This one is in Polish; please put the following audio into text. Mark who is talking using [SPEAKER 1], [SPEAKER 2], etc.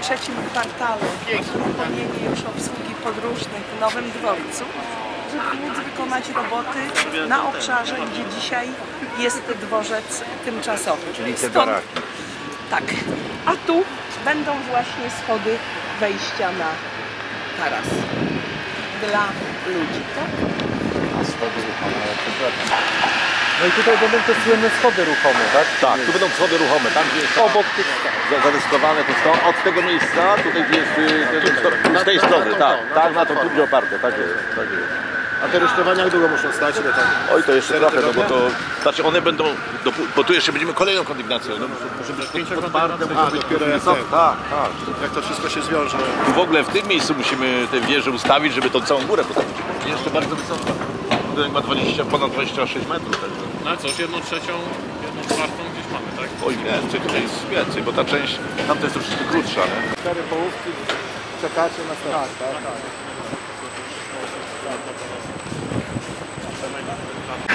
[SPEAKER 1] trzecim kwartale uruchomienie już obsługi podróżnych w Nowym Dworcu, żeby móc wykonać roboty na obszarze, gdzie dzisiaj jest dworzec tymczasowy.
[SPEAKER 2] Czyli te baraki.
[SPEAKER 1] Tak. A tu będą właśnie schody wejścia na taras dla ludzi, tak?
[SPEAKER 2] A schody ruchome, przepraszam. No i tutaj będą te słynne schody ruchome, tak?
[SPEAKER 3] Tak, tu będą schody ruchome, tam gdzie jest
[SPEAKER 2] obok tych
[SPEAKER 3] zarysowane to są od tego miejsca, tutaj gdzie jest z tej strony, tak, tak, na to tu będzie oparte, tak jest, tak jest.
[SPEAKER 4] A te rusztowania jak długo muszą stać? Ile tam?
[SPEAKER 3] Oj, to jeszcze trochę, no bo to, znaczy one będą, bo tu jeszcze będziemy kolejną kondygnacją, no muszę być podparte,
[SPEAKER 4] A, dopiero jak
[SPEAKER 3] tak, tak.
[SPEAKER 4] Jak to wszystko się zwiąże?
[SPEAKER 3] Tu w ogóle w tym miejscu musimy tę wieżę ustawić, żeby tą całą górę postawić. Jeszcze bardzo wysoka. Budynek ma ponad 26 metrów. Także.
[SPEAKER 5] No cóż, 1/3, 1/4 gdzieś mamy, tak?
[SPEAKER 3] Oj, więcej, tutaj jest więcej, bo ta część, tamta jest troszeczkę krótsza, nie?
[SPEAKER 4] 4 połówki, czekacie na start. Tak.